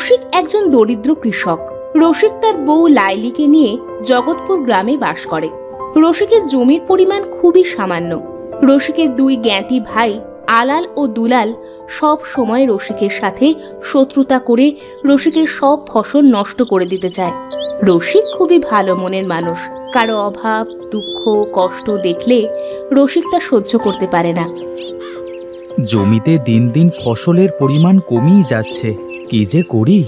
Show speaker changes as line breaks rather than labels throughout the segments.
রসিক একজন দরিদ্র কৃষক। রসিক তার বউ লাইলিকে নিয়ে জগৎপুর গ্রামে বাস করে। রসিকের জমির পরিমাণ খুবই সামান্য। রসিকের দুই জ্ঞাতি ভাই আলাল ও দুলাল সব সময় রসিকের সাথে শত্রুতা করে রসিকের সব ফসল নষ্ট করে দিতে চায়। রসিক খুবই ভালো মনের মানুষ। কারো অভাব, দুঃখ, কষ্ট দেখলে রসিক তা সহ্য করতে পারে না।
জমিতে দিন দিন ফসলের পরিমাণ কমিয়ে যাচ্ছে, কি যে করি।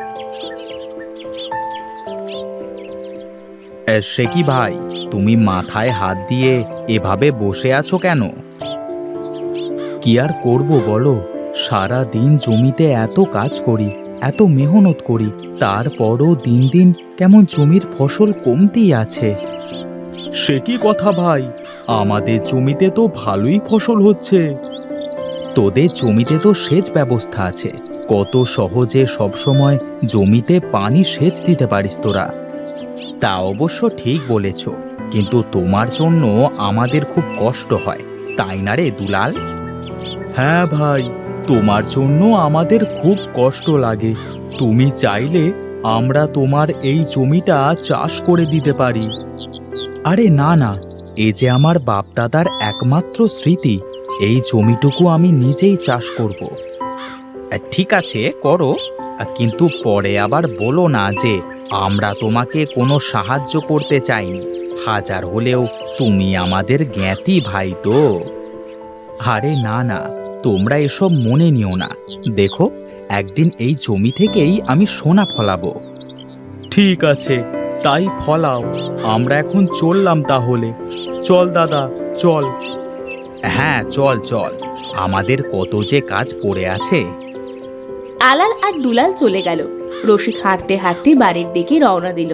সে কি ভাই, তুমি মাথায় হাত দিয়ে এভাবে বসে আছো কেন? কি আর করব বলো, সারা দিন জমিতে এত কাজ করি, এত মেহনত করি, তারপরও দিন দিন কেমন জমির ফসল কমতেই আছে। সে কি কথা ভাই, আমাদের জমিতে তো ভালোই ফসল হচ্ছে। তোদের জমিতে তো সেচ ব্যবস্থা আছে, কত সহজে সবসময় জমিতে পানি সেচ দিতে পারিস তোরা। তা অবশ্য ঠিক বলেছ, কিন্তু তোমার জন্য আমাদের খুব কষ্ট হয়, তাই না রে দুলাল? হ্যাঁ ভাই, তোমার জন্য আমাদের খুব কষ্ট লাগে। তুমি চাইলে আমরা তোমার এই জমিটা চাষ করে দিতে পারি। আরে না না, এ যে আমার বাপদাদার একমাত্র স্মৃতি, এই জমিটুকু আমি নিজেই চাষ করব। ঠিক আছে করো, কিন্তু পরে আবার বলো না যে আমরা তোমাকে কোনো সাহায্য করতে চাইনি। হাজার হলেও তুমি আমাদের জ্ঞাতি ভাই তো। আরে না না, তোমরা এসব মনে নিও না। দেখো, একদিন এই জমি থেকেই আমি সোনা ফলাবো। ঠিক আছে, তাই ফলাও। আমরা এখন চললাম তাহলে। চল দাদা, চল। হ্যাঁ চল চল, আমাদের কত যে কাজ পড়ে আছে।
আলাল আর দুলাল চলে গেল। রসিক হাঁটতে হাঁটতে বাড়ির দিকে রওনা দিল।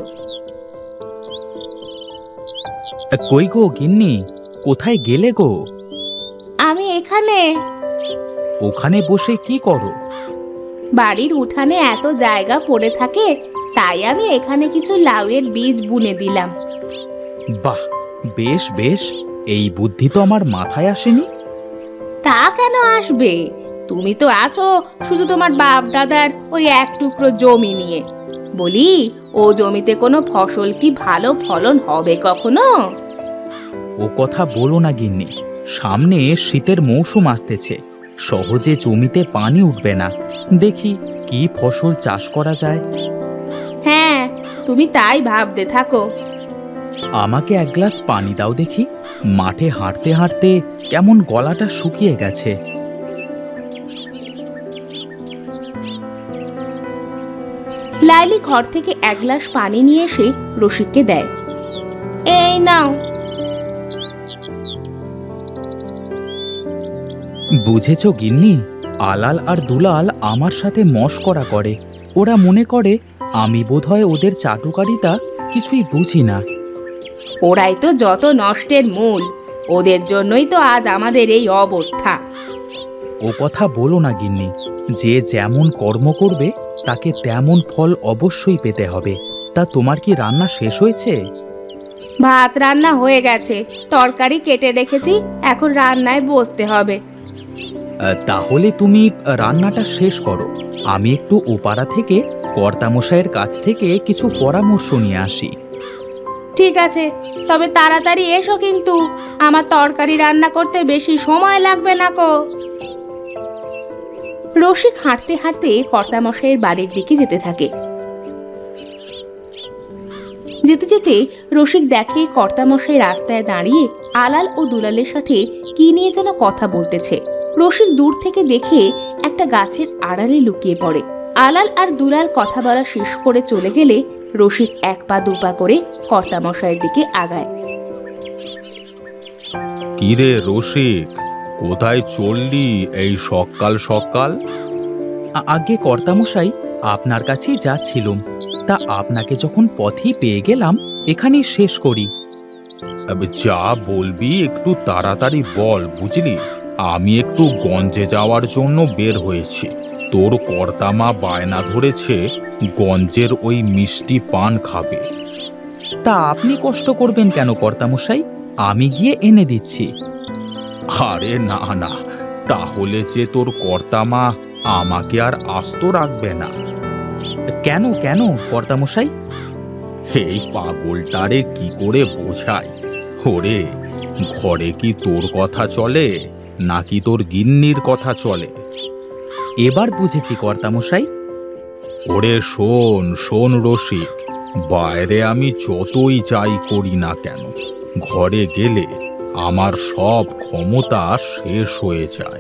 কই গো গিন্নি, কোথায় গেলে গো?
আমি এখানে।
ওখানে বসে কি করো?
বাড়ির উঠানে এত জায়গা পড়ে থাকে, তাই আমি এখানে কিছু লাউয়ের বীজ বুনে দিলাম।
বাহ, বেশ বেশ, এই বুদ্ধি তো আমার মাথায় আসেনি।
তা কেন আসবে? তুমি তো আছো শুধু তোমার বাপ দাদার ওই এক টুকরো জমি নিয়ে। বলি, ও জমিতে কোনো ফসল কি ভালো ফলন হবে কখনো?
ও কথা বলো না গিন্নি, সামনে শীতের মৌসুম আসতেছে, সহজে জমিতে পানি উঠবে না। দেখি কি ফসল চাষ করা যায়।
হ্যাঁ, তুমি তাই ভাবতে থাকো।
আমাকে এক গ্লাস পানি দাও দেখি, মাঠে হাঁটতে হাঁটতে কেমন গলাটা শুকিয়ে গেছে।
লাইলি ঘর থেকে এক গ্লাস পানি নিয়ে এসে রসিককে দেয়। এই নাও।
বুঝেছ গিন্নি, আলাল আর দুলাল আমার সাথে মশকরা করে। ওরা মনে করে আমি বোধহয় ওদের চাটুকারিতা কিছুই বুঝি না।
ওরাই তো যত নষ্টের মূল। ওদের জন্যই তো আজ আমাদের এই অবস্থা।
ও কথা বলো না গিন্নি, যে যেমন কর্ম করবে তাকে তেমন ফল অবশ্যই পেতে হবে। তা তোমার কি রান্না শেষ হয়েছে?
ভাত রান্না হয়ে গেছে, তরকারি কেটে রেখেছি, এখন রান্নায় বসতে হবে।
তাহলে তুমি রান্নাটা শেষ করো, আমি একটু ওপাড়া থেকে কর্তামশাইয়ের কাছ থেকে কিছু পরামর্শ নিয়ে আসি।
ঠিক আছে, তবে তাড়াতাড়ি এসো কিন্তু, আমার তরকারি রান্না করতে বেশি সময় লাগবে না কো। রসিক হাঁটতে হাঁটতে কর্তামশাইয়ের বাড়ির দিকে যেতে থাকে। যেতে যেতে রসিক দেখে কর্তামশাই রাস্তায় দাঁড়িয়ে আলাল ও দুলালের সাথে কি নিয়ে যেন কথা বলতেছে। রসিক দূর থেকে দেখে একটা গাছের আড়ালে লুকিয়ে পড়ে। আলাল আর দুলাল কথা বলা শেষ করে চলে গেলে রসিক এক পা দুপা করে কর্তামশাইয়ের দিকে আগায়।
কিরে রসিক, কোথায় চললি এই সকাল সকাল? আগে কর্তামশাই, আপনার কাছেই যাচ্ছিলুম, তা আপনাকে যখন পথেই পেয়ে গেলাম, এখানেই শেষ করি। যা বলবি একটু তাড়াতাড়ি বল, বুঝলি? আমি একটু গঞ্জে যাওয়ার জন্য বের হয়েছি। তোর কর্তামা বায়না ধরেছে গঞ্জের ওই মিষ্টি পান খাবে। তা আপনি কষ্ট করবেন কেন কর্তামশাই, আমি গিয়ে এনে দিচ্ছি। আরে না না, তাহলে যে তোর কর্তামা আমাকে আর আস্ত রাখবে না। কেন কেন কর্তামশাই? এই পাগলটারে কি করে বোঝাই? ওরে, ঘরে কি তোর কথা চলে নাকি তোর গিন্নির কথা চলে? এবার বুঝেছি কর্তামশাই। ওরে শোন শোন রসিক, বাইরে আমি যতই যাই করি না কেন, ঘরে গেলে আমার সব ক্ষমতা শেষ হয়ে যায়।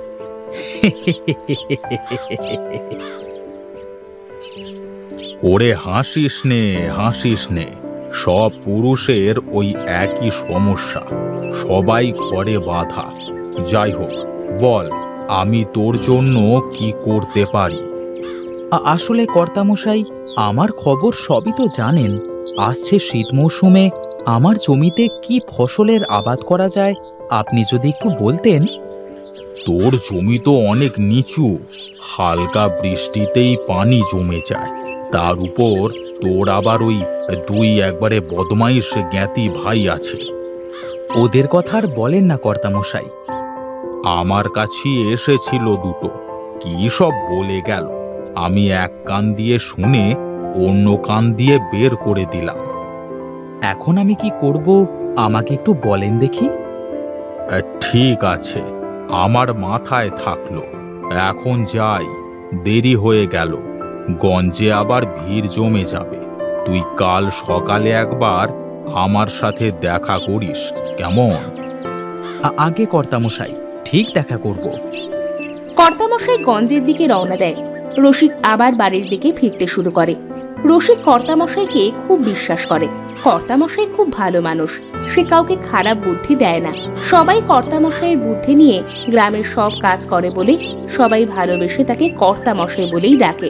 ওরে হাসিস নে হাসিস নে, সব পুরুষের ওই একই সমস্যা, সবাই ঘরে বাঁধা। যাই হোক, বল আমি তোর জন্য কি করতে পারি? আসলে কর্তামশাই, আমার খবর সবই তো জানেন। আসছে শীত মৌসুমে আমার জমিতে কি ফসলের আবাদ করা যায়, আপনি যদি একটু বলতেন। তোর জমি তো অনেক নিচু, হালকা বৃষ্টিতেই পানি জমে যায়। তার উপর তোর আবার ওই দুই একবারে বদমাইশ জ্ঞাতি ভাই আছে। ওদের কথা আর বলেন না কর্তামশাই। আমার কাছে এসেছিল দুটো, কি সব বলে গেল। আমি এক কান দিয়ে শুনে অন্য কান দিয়ে বের করে দিলাম। এখন আমি কি করব, আমাকে একটু বলেন দেখি। ঠিক আছে, আমার মাথায় থাকলো। এখন যাই, দেরি হয়ে গেল, গঞ্জে আবার ভিড় জমে যাবে। তুই কাল সকালে একবার আমার সাথে দেখা করিস, কেমন? আগে কর্তামশাই, ঠিক দেখা করব।
কর্তামশাই গঞ্জের দিকে রওনা দেয়। রসিক আবার বাড়ির দিকে ফিরতে শুরু করে। রসিক কর্তামশাইকে খুব বিশ্বাস করে। কর্তামশাই খুব ভালো মানুষ, সে কাউকে খারাপ বুদ্ধি দেয় না। সবাই কর্তামশাইয়ের বুদ্ধি নিয়ে গ্রামের সব কাজ করে বলে সবাই ভালোবেসে তাকে কর্তামশাই বলেই ডাকে।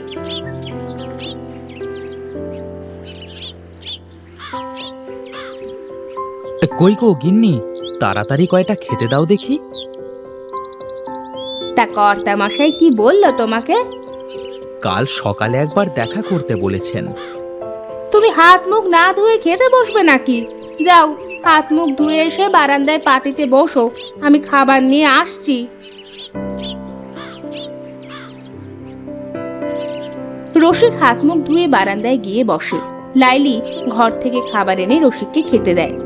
কই গো গিন্নি, তাড়াতাড়ি কয়টা খেতে দাও দেখি।
তা কর্তামশাই কি বললো তোমাকে?
কাল সকালে একবার দেখা করতে বলেছেন।
তুমি হাত মুখ না ধুয়ে খেতে বসবে নাকি? যাও, হাত মুখ ধুয়ে এসে বারান্দায় পাতিতে বসো, আমি খাবার নিয়ে আসছি। রসিক হাত মুখ ধুয়ে বারান্দায় গিয়ে বসে। লাইলি ঘর থেকে খাবার এনে রসিককে খেতে দেয়।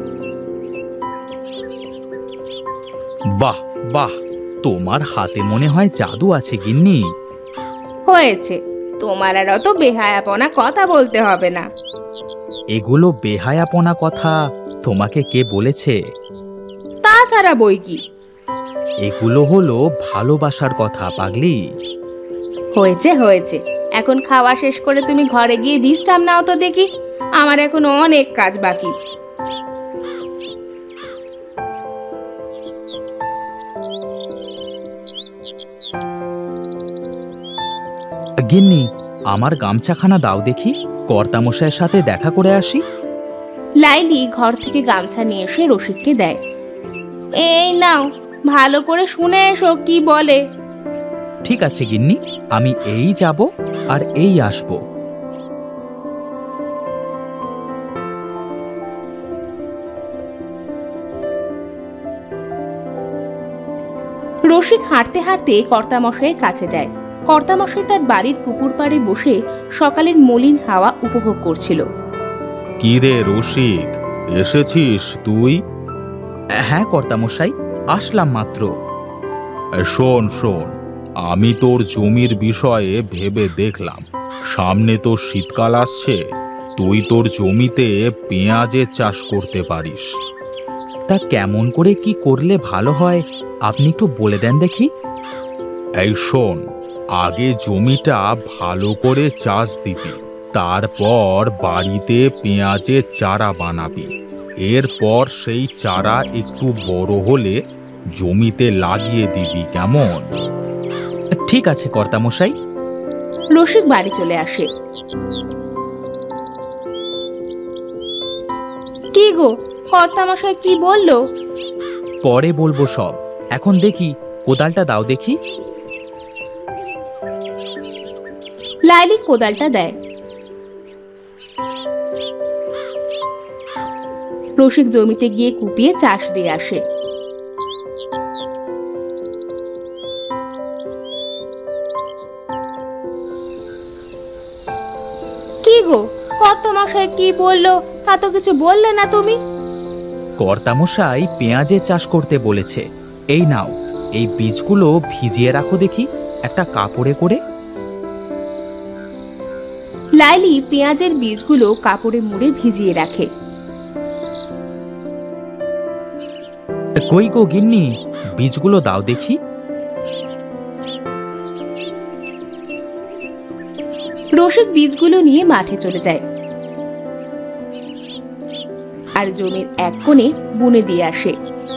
বাহ বাহ, তোমার হাতে মনে হয় জাদু আছে গিন্নি।
হয়েছে, তোমার আর অত বেহায়াপনা কথা বলতে হবে না।
এগুলো বেহায়াপনা কথা তোমাকে কে বলেছে?
তাছাড়া বই কি?
এগুলো হলো ভালোবাসার কথা পাগলি।
হয়েছে হয়েছে, এখন খাওয়া শেষ করে তুমি ঘরে গিয়ে বিশ্রাম নাও তো দেখি, আমার এখন অনেক কাজ বাকি।
গিন্নি, আমার গামছাখানা দাও দেখি, কর্তামশাইয়ের সাথে দেখা করে আসি।
লাইলি ঘর থেকে গামছা নিয়ে এসে রসিককে দেয়। এই নাও, ভালো করে শুনে এসো কি বলে।
ঠিক আছে গিন্নি, আমি এই যাব আর এই আসব।
রসিক হাঁটতে হাঁটতে কর্তামশাইয়ের কাছে যায়। কর্তামশাই তার বাড়ির পুকুর পাড়ে বসে সকালের মলিন হাওয়া উপভোগ করছিল।
কি রে রসিক, এসেছিস তুই? হ্যাঁ কর্তামশাই, আসলাম মাত্র। শোন শোন, আমি তোর জমির বিষয়ে ভেবে দেখলাম, সামনে তো শীতকাল আসছে, তুই তোর জমিতে পেঁয়াজের চাষ করতে পারিস। তা কেমন করে কি করলে ভালো হয়, আপনি একটু বলে দেন দেখি। এই শোন, আগে জমিটা ভালো করে চাষ দিবি, তারপর বাড়িতে পেঁয়াজের চারা বানাবি। এরপর সেই চারা একটু বড় হলে জমিতে লাগিয়ে দিবি, কেমন? ঠিক আছে কর্তামশাই।
রসিক বাড়ি চলে আসে। কি গো, কর্তামশাই কি বললো?
পরে বলবো সব, এখন দেখি কোদালটা দাও দেখি।
লাইলি কোদালটা দেয়। রসিক জমিতে গিয়ে কুপিয়ে চাষ দিয়ে আসে। গো, কর্তামশাই কি বললো তা তো কিছু বললে না তুমি?
কর্তামশাই পেঁয়াজের চাষ করতে বলেছে। এই নাও, এই বীজগুলো ভিজিয়ে রাখো দেখি একটা কাপড়ে করে।
লাইলি পেঁয়াজের বীজগুলো কাপড়ে মুড়ে ভিজিয়ে রাখে।
কই গো গিন্নি, বীজগুলো দাও দেখি।
রসিক বীজগুলো নিয়ে মাঠে চলে যায় আর জমির এক কোণে বুনে দিয়ে আসে।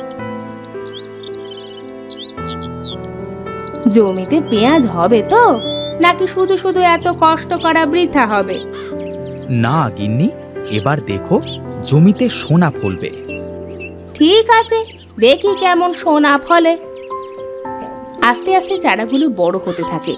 জমিতে পেঁয়াজ হবে তো, নাকি শুধু শুধু এত কষ্ট করা বৃথা হবে?
না গিন্নি, এবার দেখো জমিতে সোনা ফলবে।
ঠিক আছে, দেখি কেমন সোনা ফলে। আস্তে আস্তে চারাগুলো বড় হতে থাকে।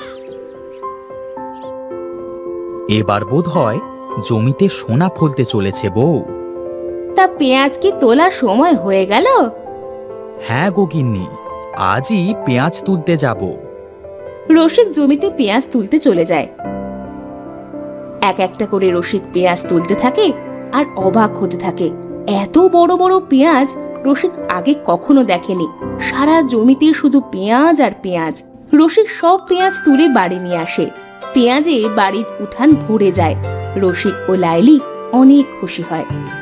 এবার বোধ হয় জমিতে সোনা ফলতে চলেছে বউ।
তা পেঁয়াজ কি তোলার সময় হয়ে গেল?
হ্যাঁ গো গিন্নি, আজই পেঁয়াজ তুলতে যাব।
রসিক জমিতে পেঁয়াজ তুলতে চলে যায়। এক একটা করে রসিক পেঁয়াজ তুলতে থাকে আর অবাক হতে থাকে। এত বড় বড় পেঁয়াজ রসিক আগে কখনো দেখেনি। সারা জমিতে শুধু পেঁয়াজ আর পেঁয়াজ। রসিক সব পেঁয়াজ তুলে বাড়ি নিয়ে আসে। পেঁয়াজে বাড়ির উঠান ভরে যায়। রসিক ও লাইলি অনেক খুশি হয়।